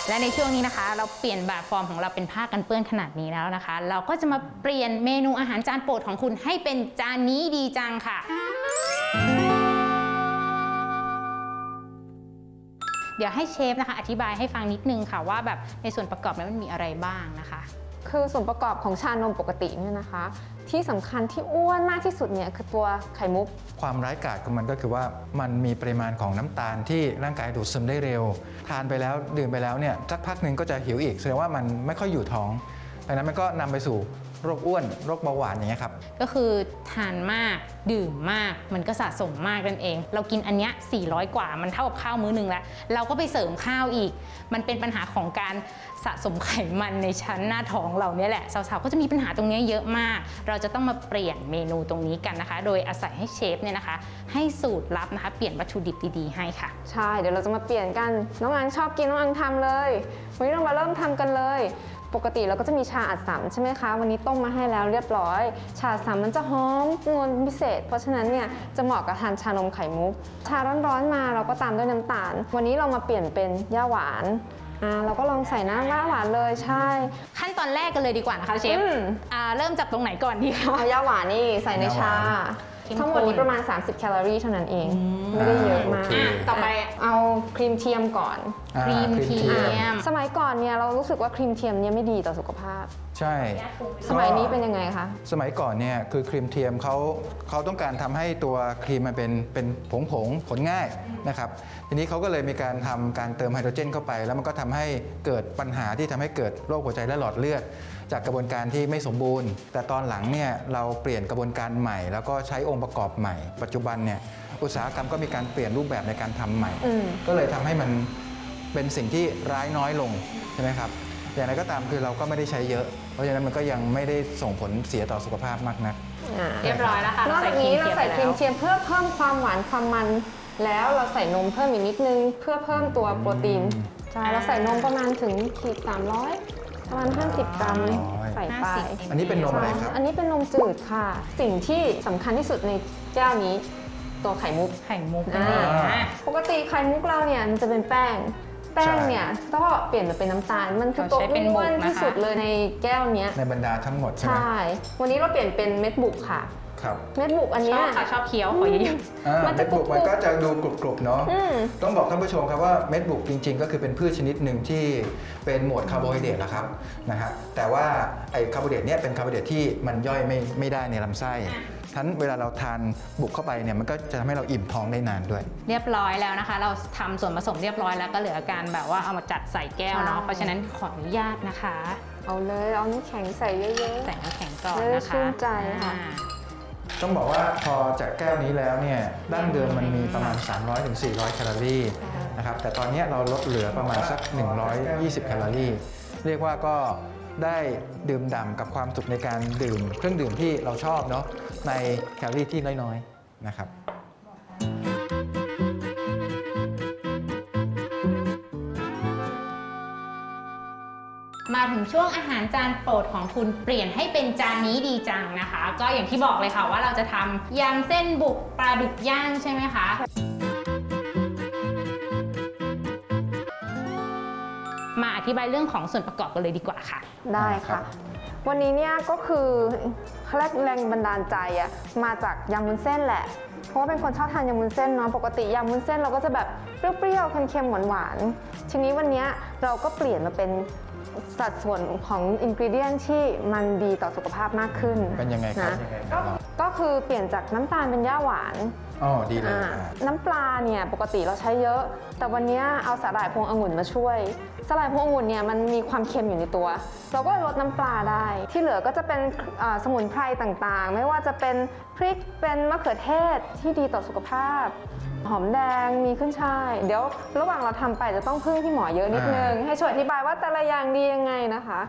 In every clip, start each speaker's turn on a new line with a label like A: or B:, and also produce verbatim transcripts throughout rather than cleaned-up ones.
A: และในช่วงนี้นะคะเราเปลี่ยนแบบฟอร์มของเราเป็นผ้ากันเปื้อนขนาดนี้แล้วนะคะเราก็จะมาเปลี่ยนเมนูอาหารจานโปรดของคุณให้เป็นจานนี้ดีจังค่ะเดี๋ยวให้เชฟนะคะอธิบายให้ฟังนิดนึงค่ะว่าแบบในส่วนประกอบนั้นมันมีอะไรบ้างนะคะ
B: คือส่วนประกอบของชานมปกติเนี่ยนะคะที่สำคัญที่อ้วนมากที่สุดเนี่ยคือตัวไข่มุก
C: ความร้ายกาจของมันก็คือว่ามันมีปริมาณของน้ำตาลที่ร่างกายดูดซึมได้เร็วทานไปแล้วดื่มไปแล้วเนี่ยสักพักหนึ่งก็จะหิวอีกแสดงว่ามันไม่ค่อยอยู่ท้องดังนั้นมันก็นำไปสู่โรคอ้วนโรคเบาหวานอย่างเงี้ยครับ
A: ก็คือทานมากดื่มมากมันก็สะสมมากนั่นเองเรากินอันเนี้ยสี่ร้อยกว่ามันเท่ากับข้าวมื้อนึงแล้วเราก็ไปเสริมข้าวอีกมันเป็นปัญหาของการสะสมไขมันในชั้นหน้าท้องเราเนี่ยแหละสาวๆก็จะมีปัญหาตรงนี้เยอะมากเราจะต้องมาเปลี่ยนเมนูตรงนี้กันนะคะโดยอาศัยให้เชฟเนี่ยนะคะให้สูตรลับนะคะเปลี่ยนวัตถุดิบดีๆให้ค่ะ
B: ใช่เดี๋ยวเราจะมาเปลี่ยนกันน้องอังชอบกินน้องอังทำเลยวันนี้เรามาเริ่มทำกันเลยปกติเราก็จะมีชาอัดสำใช่ไหมคะวันนี้ต้มมาให้แล้วเรียบร้อยชาอัดสำมันจะหอมงวนพิเศษเพราะฉะนั้นเนี่ยจะเหมาะกับทานชานมไข่มุกชาร้อนๆมาเราก็ตามด้วยน้ำตาลวันนี้เรามาเปลี่ยนเป็นย่าหวานอ่าเราก็ลองใส่น้ำย่าหวานเลยใช่
A: ขั้นตอนแรกกันเลยดีกว่านะคะเชฟอ่าเริ่มจากตรงไหนก่อนดีคะ
B: เอาย่าหวานนี่ใส่ในชาทั้งหมดนี้ประมาณสามสิบแคลอรี่เท่านั้นเองไม่ได้เยอะมาก
A: ต่อไป
B: เอาครีมเทียมก่อน
A: ครีมเทียม
B: สมัยก่อนเนี่ยเรารู้สึกว่าครีมเทียมเนี่ยไม่ดีต่อสุขภาพ
C: ใช่
B: สมัยนี้เป็นยังไงคะ
C: สมัยก่อนเนี่ยคือครีมเทียมเขาเขาต้องการทำให้ตัวครีมมันเป็นเป็นผงผงผลง่ายนะครับทีนี้เขาก็เลยมีการทำการเติมไฮโดรเจนเข้าไปแล้วมันก็ทำให้เกิดปัญหาที่ทำให้เกิดโรคหัวใจและหลอดเลือดจากกระบวนการที่ไม่สมบูรณ์แต่ตอนหลังเนี่ยเราเปลี่ยนกระบวนการใหม่แล้วก็ใช้องค์ประกอบใหม่ปัจจุบันเนี่ยอุตสาหกรรมก็มีการเปลี่ยนรูปแบบในการทำใหม่ก็เลยทำให้มันเป็นสิ่งที่ร้ายน้อยลงใช่ไหมครับอย่างไรก็ตามคือเราก็ไม่ได้ใช้เยอะเพราะฉะนั้นมันก็ยังไม่ได้ส่งผลเสียต่อสุขภาพมากนัก
A: เรียบร้อยแล้วค่ะ
B: นอกจากนี้เราใส่ครีมเทียมเพื่อเพิ่มความหวานความมันแล้วเราใส่นมเพิ่มอีกนิดนึงเพื่อเพิ่มตัวโปรตีนใช่เราใส่นมประมาณถึงขีดสามร้อยประมาณห้าสิบกรัมใส่ไป
C: อันนี้เป็นนมอะไรครับ
B: อันนี้เป็นนมจืดค่ะสิ่งที่สำคัญที่สุดในแก้วนี้ตัวไข่มุก
A: ไข่มุก
B: ปกติไข่มุกเราเนี่ยมันจะเป็นแป้งแป้งเนี่ยก็เปลี่ยนมาเป็นน้ำตาลมันคือตัวอ้วนที่สุดเลยในแก้วนี้
C: ในบรรดาทั้งหมดใช่ไหม
B: ใช่วันนี้เราเปลี่ยนเป็นเม็ดบุกค่ะเม็ดบุกอันนี้
A: ชอบเคี้ยวขอเยอะ
C: ๆเม็ดบุกมันก็จะดูกรุบๆเนาะต้องบอกท่านผู้ชมครับว่าเม็ดบุกจริงๆก็คือเป็นพืชชนิดหนึ่งที่เป็นหมวดคาร์โบไฮเดรตนะครับนะฮะแต่ว่าไอ้คาร์โบไฮเดรตเนี่ยเป็นคาร์โบไฮเดรตที่มันย่อยไม่ไม่ได้ในลำไส้ทั้นเวลาเราทานบุกเข้าไปเนี่ยมันก็จะทำให้เราอิ่มท้องได้นานด้วย
A: เรียบร้อยแล้วนะคะเราทำส่วนผสมเรียบร้อยแล้วก็เหลือการแบบว่าเอามาจัดใส่แก้วเนาะเพราะฉะนั้นขออนุญาตนะคะ
B: เอาเลยเอาน้ำแข็งใส่เยอะๆ
A: ใส่น้ำแข็งก่อนนะคะ
B: ชื่นใจค่ะ
C: ต้องบอกว่าพอจากแก้วนี้แล้วเนี่ยดั้งเดิมมันมีประมาณ สามร้อยถึงสี่ร้อย แคลอรี่นะครับแต่ตอนนี้เราลดเหลือประมาณสักหนึ่งร้อยยี่สิบแคลอรี่เรียกว่าก็ได้ดื่มด่ำกับความสุขในการดื่มเครื่องดื่มที่เราชอบเนาะในแคลอรี่ที่น้อยๆนะครับ
A: มาถึงช่วงอาหารจานโปรดของคุณเปลี่ยนให้เป็นจานนี้ดีจังนะคะก็อย่างที่บอกเลยค่ะว่าเราจะทำยำเส้นบุกปลาดุกย่างใช่ไหมคะมาอธิบายเรื่องของส่วนประกอบกันเลยดีกว่าค่ะ
B: ได้ค่ะวันนี้เนี่ยก็คือแรงบันดาลใจอะมาจากยำวุ้นเส้นแหละเพราะว่าเป็นคนชอบทานยำวุ้นเส้นเนาะปกติยำวุ้นเส้นเราก็จะแบบเปรี้ยวๆเค็มๆหวานๆทีนี้วันนี้เราก็เปลี่ยนมาเป็นสัดส่วนของอินกรีเดียนที่มันดีต่อสุขภาพมากขึ้น
C: เป็นยังไงครับ
B: ก็คือเปลี่ยนจากน้ำตาลเป็นย่าหวาน
C: อ๋อดีเลย
B: น้ำปลาเนี่ยปกติเราใช้เยอะแต่วันนี้เอาสาหร่ายพวงองุ่นมาช่วยสาหร่ายพวงองุ่นเนี่ยมันมีความเค็มอยู่ในตัวเราก็ลดน้ำปลาได้ที่เหลือก็จะเป็นสมุนไพรต่างๆไม่ว่าจะเป็นพริกเป็นมะเขือเทศที่ดีต่อสุขภาพหอมแดงมีขึ้นช่ายเดี๋ยวระหว่างเราทำไปจะต้องพึ่งพี่หมอเยอะนิดนึงให้ช่วยอธิบายว่าแต่ละอย่างดียังไงนะคะ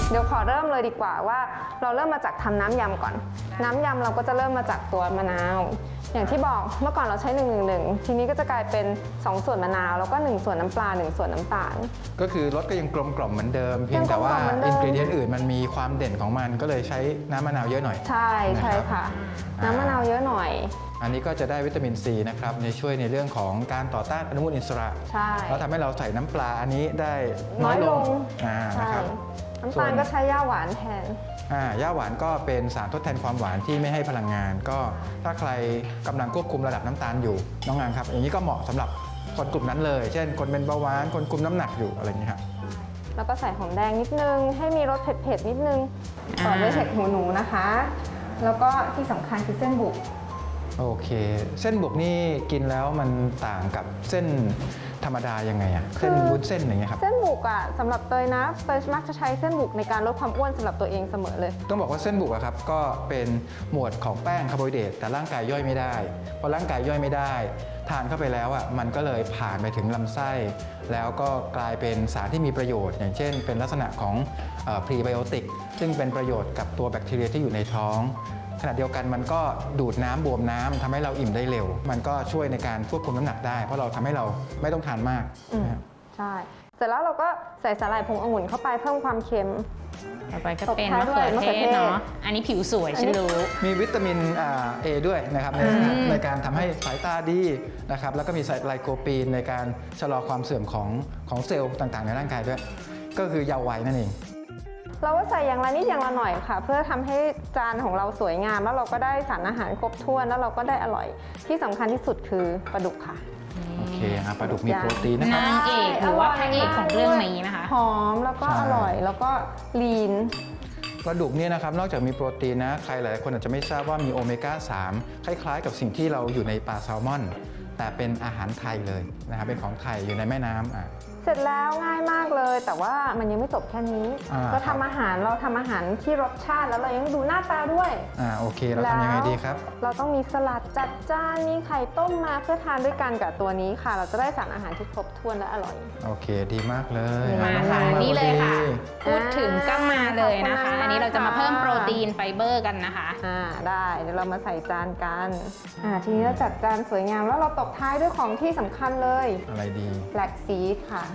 B: เดี๋ยวขอเริ่มเลยดีกว่าว่าเราเริ่มมาจากทำน้ำยำก่อน น้ำยำเราก็จะเริ่มมาจากตัวมะนาวอย่างที่บอกเมื่อก่อนเราใช้หนึ่ง หนึ่ง หนึ่งทีนี้ก็จะกลายเป็นสองส่วนมะนาวแล้วก็หนึ่งส่วนน้ำปลาหนึ่งส่วนน้ำตาล
C: ก็คือรสก็ยังกลมกล่อมเหมือนเดิม เพียงแต่ว่า
B: ยังกลมกล่อมเหมือนเดิ
C: อิ
B: ม
C: นกรีเดียนอื่นมันมีความเด่นของมันก็เลยใช้น้ำมะนาวเยอะหน่อย
B: ใช่ใช่ค่ะ
C: นะครับ
B: น้ำมะนาวเยอะหน่อย
C: อันนี้ก็จะได้วิตามินซีนะครับในช่วยในเรื่องของการต่อต้านอนุมูลอิสระ
B: ใช่
C: แล้วทำให้เราใส่น้ำปลาอันนี้ได้
B: น้
C: น้
B: อ
C: อย ย
B: ล
C: ล
B: ง
C: งอ่า
B: ใช่
C: นะครับ
B: น้ำ
C: ส่ว
B: ตาล
C: น
B: ก็ใช้ย่าหวานแทน
C: อ่าย่าหวานก็เป็นสารทดแทนความหวานที่ไม่ให้พลังงาน ก็ถ้าใครกำลังควบคุมระดับน้ำตาลอยู่น้องงานครับ อย่างนี้ก็เหมาะสำหรับคนกลุ่มนั้นเลย เช่น คนเป็นเบาหวานคนคุมน้ำหนักอยู่อะไรอย่างนี้ครับ
B: แล้วก็ใส่หอมแดงนิดนึง ให้มีรสเผ็ดๆนิดนึง
A: อ่า
B: ต่อด้วยเห็ดหูหนูนะคะ แล้วก็ที่สำคัญคือเส้นบุก
C: โอเค เส้นบุกนี่กินแล้วมันต่างกับเส้นธรรมดายังไงอะเส้นวุ้นเส้นอย่างเงี้ยครับ
B: เส้นบุกอ่ะสำหรับเตยนะเตยมักจะใช้เส้นบุกในการลดความอ้วนสำหรับตัวเองเสมอเลย
C: ต้องบอกว่าเส้นบุกอะครับก็เป็นหมวดของแป้งคาร์โบไฮเดรตแต่ร่างกายย่อยไม่ได้พอร่างกายย่อยไม่ได้ ทานเข้าไปแล้วอะมันก็เลยผ่านไปถึงลำไส้ แล้วก็กลายเป็นสารที่มีประโยชน์ อย่างเช่น เป็นลักษณะของพรีไบโอติกซึ่งเป็นประโยชน์กับตัวแบคทีเรียที่อยู่ในท้องขณะเดียวกันมันก็ดูดน้ำบวมน้ำทำให้เราอิ่มได้เร็ว มันก็ช่วยในการควบคุมน้ำหนักได้ เพราะเราทำให้เราไม่ต้องทานมาก
B: อืม
C: นะครับ
B: ใช่ เสร็จแล้วเราก็ใส่สาหร่ายพวงองุ่นเข้าไปเพิ่มความเค็ม
A: ต่อไปก็เป็น
B: ตบท้าย
A: มะ
B: ด้
A: เขื
B: วย
A: อ
B: มะ
A: เท
B: เขือเท
A: ศ
B: ศ
A: เนาะอันนี้ผิวสวยฉันรู้
C: มีวิตามินอ่า A ด้วยนะครับใน
A: อืม
C: ในการทำให้สายตาดีนะครับแล้วก็มีไลโคปีนในการชะลอความเสื่อมของของเซลล์ต่างๆ ในร่างกายด้วย ก็คือเยาว์วัยนั่นเอง
B: เราก็ใส่อย่างละนิดอย่างละหน่อยค่ะ เพื่อทำให้จานของเราสวยงาม แล้วเราก็ได้สารอาหารครบถ้วนแล้วเราก็ได้อร่อยที่สำคัญที่สุดคือปลาดุกค่ะ
C: โอเคอ่ะปลาดุกมีโปรตีนนะครับ
A: นางเอกหรือว่าพระเอกของเรื่องนี้นะคะ
B: หอมแล้วก็
C: ใช่
B: อร่อยแล้วก็ลีน
C: ปลาดุกเนี่ยนะครับนอกจากมีโปรตีนนะใครหลายคนอาจจะไม่ทราบว่ามีโอเมก้าสามคล้ายๆ กับสิ่งที่เราอยู่ในปลาแซลมอน แต่เป็นอาหารไทยเลยนะครับเป็นของไทยอยู่ในแม่น้ำอ่ะ
B: เสร็จแล้วง่ายมากเลย แต่ว่ามันยังไม่จบแค่นี้
C: อ่า
B: เราทำอาหารเราทำอาหารที่รสชาติแล้วเรายังดูหน้าตาด้วย
C: อ่าโอเคเราทำยังไงดีครับ
B: เราต้องมีสลัดจัดจ้านมีไข่ต้มมาเพื่อทานด้วยกันกับตัวนี้ค่ะ เราจะได้สารอาหารที่ครบถ้วนและอร่อย
C: โอเคดีมากเลย
A: มา
C: น้อง
A: ค่ะ
C: ง
A: นี่เลยค่ะ
C: ดี
A: พูดถึงก็มาเลยนะคะ
B: ขอบคุณมากๆ
A: อันนี้เราจะมาเพิ่ม
B: ค่ะ
A: โปรตีนไฟเบอร์กันนะคะ
B: อ่าได้เดี๋ยวเรามาใส่จานกันอ่าทีนี้เราจัดจานสวยงามแล้วเราตบท้ายด้วยของที่สำคัญเลย
C: อะไรดี
B: แบล็กซีดค่ะ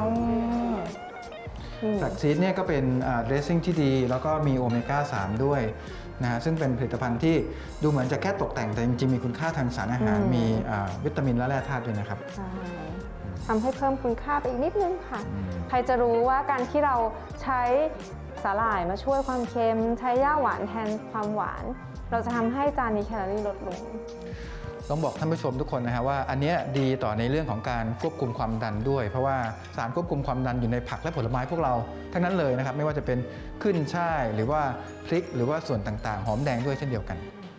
B: นี่
C: แฟลกซีดเนี่ยก็เป็นเดรสซิ่งที่ดี แล้วก็มีโอเมก้าสามด้วยนะฮะซึ่งเป็นผลิตภัณฑ์ที่ดูเหมือนจะแค่ตกแต่งแต่จริงๆ มีคุณค่าทางสารอาหาร มีอ่าวิตามินและแร่ธาตุด้วยนะครับ
B: ใช่ทำให้เพิ่มคุณค่าไปอีกนิดนึงค่ะ
C: อืม
B: ใครจะรู้ว่าการที่เราใช้สาหร่ายมาช่วยความเค็ม ใช้ย่าหวานแทนความหวาน เราจะทำให้จานนี้แคลอรี่ลดลง
C: ต้องบอกท่านผู้ชมทุกคนนะฮะว่าอันเนี้ยดีต่อในเรื่องของการควบคุมความดันด้วย เพราะว่าสารควบคุมความดันอยู่ในผักและผลไม้พวกเราทั้งนั้นเลยนะครับไม่ว่าจะเป็นขึ้นช่ายหรือว่าพริกหรือว่าส่วนต่างๆ หอมแดงด้วยเช่นเดียวกัน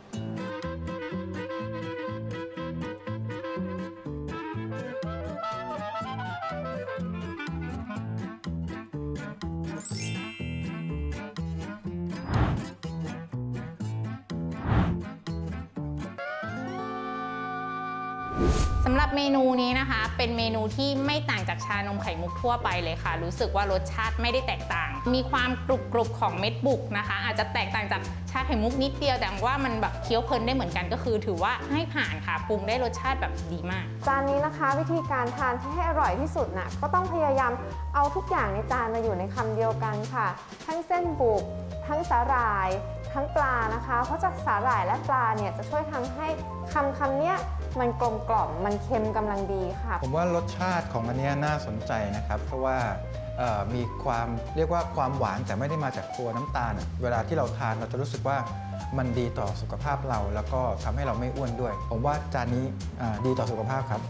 A: สำหรับเมนูนี้นะคะ เป็นเมนูที่ไม่ต่างจากชานมไข่มุกทั่วไปเลยค่ะ รู้สึกว่ารสชาติไม่ได้แตกต่าง มีความกรุบกรุบของเม็ดบุกนะคะ อาจจะแตกต่างจากชาไข่มุกนิดเดียวแต่ว่ามันแบบเคี้ยวเพลินได้เหมือนกันก็คือ ถือว่าให้ผ่านค่ะปรุงได้รสชาติแบบดีมาก
B: จานนี้นะคะวิธีการทานที่ให้อร่อยที่สุดนะก็ต้องพยายามเอาทุกอย่างในจานมาอยู่ในคำเดียวกันค่ะ ทั้งเส้นบุก ทั้งสาหร่าย ทั้งปลานะคะ เพราะจากสาหร่ายและปลาเนี่ยจะช่วยทำให้คำคำเนี้ยมันกลมกล่อมมันเค็มกำลังดีค่ะ
C: ผมว่ารสชาติของอันเนี้ยน่าสนใจนะครับ เพราะว่าเอ่อมีความเรียกว่าความหวานแต่ไม่ได้มาจากตัวน้ำตาลอะเวลาที่เราทานเราจะรู้สึกว่ามันดีต่อสุขภาพเรา แล้วก็ทำให้เราไม่อ้วนด้วย ผมว่าจานนี้อ่าดีต่อสุขภาพครับ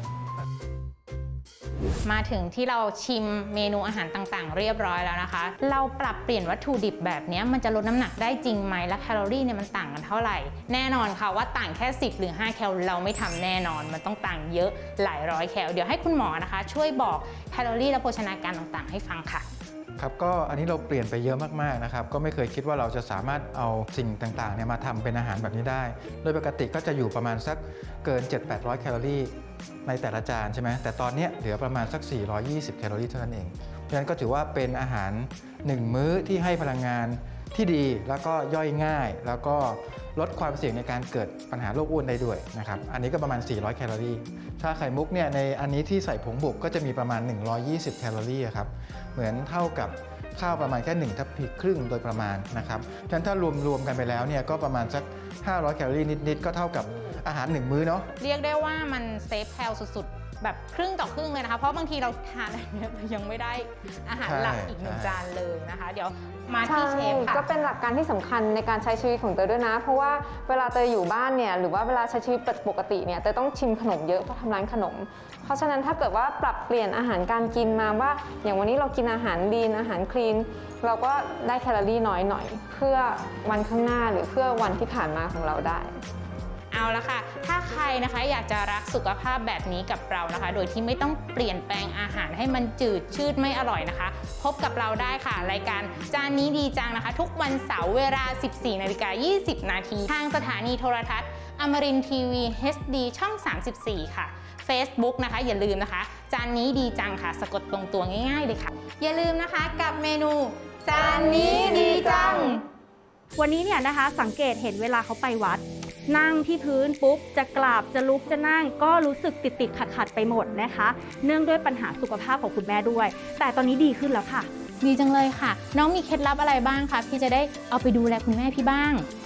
A: มาถึงที่เราชิมเมนูอาหารต่างๆ เรียบร้อยแล้วนะคะ เราปรับเปลี่ยนวัตถุดิบแบบนี้มันจะลดน้ำหนักได้จริงไหมและแคลอรี่เนี่ยมันต่างกันเท่าไหร่ แน่นอนค่ะว่าต่างแค่สิบหรือห้าแคลเราไม่ทำแน่นอน มันต้องต่างเยอะหลายร้อยแคลเดี๋ยวให้คุณหมอนะคะ ช่วยบอกแคลอรี่และโภชนาการต่างๆ ให้ฟังค่ะ
C: ครับก็อันนี้เราเปลี่ยนไปเยอะมากๆนะครับก็ไม่เคยคิดว่าเราจะสามารถเอาสิ่งต่างๆเนี่ยมาทำเป็นอาหารแบบนี้ได้ โดยปกติก็จะอยู่ประมาณสักเกิน เจ็ดถึงแปดร้อย แคลอรี่ในแต่ละจานใช่ไหมแต่ตอนเนี้ยเหลือประมาณสัก สี่ร้อยยี่สิบ แคลอรี่เท่านั้นเองเพราะฉะนั้นก็ถือว่าเป็นอาหารหนึ่งมื้อที่ให้พลังงานที่ดีแล้วก็ย่อยง่าย แล้วก็ลดความเสี่ยงในการเกิดปัญหาโรคอ้วนได้ด้วยนะครับอันนี้ก็ประมาณสี่ร้อยแคลอรี่ชาไข่มุกเนี่ยในอันนี้ที่ใส่ผงบุกก็จะมีประมาณหนึ่งร้อยยี่สิบแคลอรี่ครับเหมือนเท่ากับข้าวประมาณแค่หนึ่งทัพพีครึ่งโดยประมาณนะครับฉะนั้นถ้ารวมรวมกันไปแล้วเนี่ยก็ประมาณสักห้าร้อยแคลอรี่นิดๆก็เท่ากับอาหารหนึ่งมื้อเนาะ
A: เรียกได้ว่ามันเซฟแคลสุดๆแบบครึ่งต่อครึ่งเลยนะคะเพราะบางทีเราทานอะไรเนี่ยยังไม่ได้อาหารหลักอีกหนึ่งจานเลยนะคะเดี๋ยวมาที่เชฟค่ะ
B: ก็เป็นหลักการที่สำคัญในการใช้ชีวิตของเตยด้วยนะเพราะว่าเวลาเตยอยู่บ้านเนี่ยหรือว่าเวลาใช้ชีวิตปกติเนี่ยเตยต้องชิมขนมเยอะเพราะทำร้านขนมเพราะฉะนั้นถ้าเกิดว่าปรับเปลี่ยนอาหารการกินมาว่าอย่างวันนี้เรากินอาหารลีนอาหารคลีนเราก็ได้แคลอรี่น้อยหน่อยเพื่อวันข้างหน้าหรือเพื่อวันที่ผ่านมาของเราได้
A: เอาละค่ะถ้าใครนะคะอยากจะรักสุขภาพแบบนี้กับเรานะคะโดยที่ไม่ต้องเปลี่ยนแปลงอาหารให้มันจืดชืดไม่อร่อยนะคะพบกับเราได้ค่ะรายการจานนี้ดีจังนะคะทุกวันเสาร์เวลา สิบสี่นาฬิกายี่สิบนาทีทางสถานีโทรทัศน์อมรินทร์ทีวี เอช ดี ช่อง สามสิบสี่ ค่ะ Facebook นะคะอย่าลืมนะคะจานนี้ดีจังค่ะสะกดตรงตัวง่ายๆเลยค่ะอย่าลืมนะคะกับเมนูจานนี้ดีจัง
D: วันนี้เนี่ยนะคะสังเกตเห็นเวลาเขาไปวัดนั่งที่พื้นปุ๊บจะกราบจะลุกจะนั่งก็รู้สึกติดติดขัดขัดๆไปหมดนะคะเนื่องด้วยปัญหาสุขภาพของคุณแม่ด้วยแต่ตอนนี้ดีขึ้นแล้วค่ะ
A: ดีจังเลยค่ะน้องมีเคล็ดลับอะไรบ้างคะพี่จะได้เอาไปดูแลคุณแม่พี่บ้าง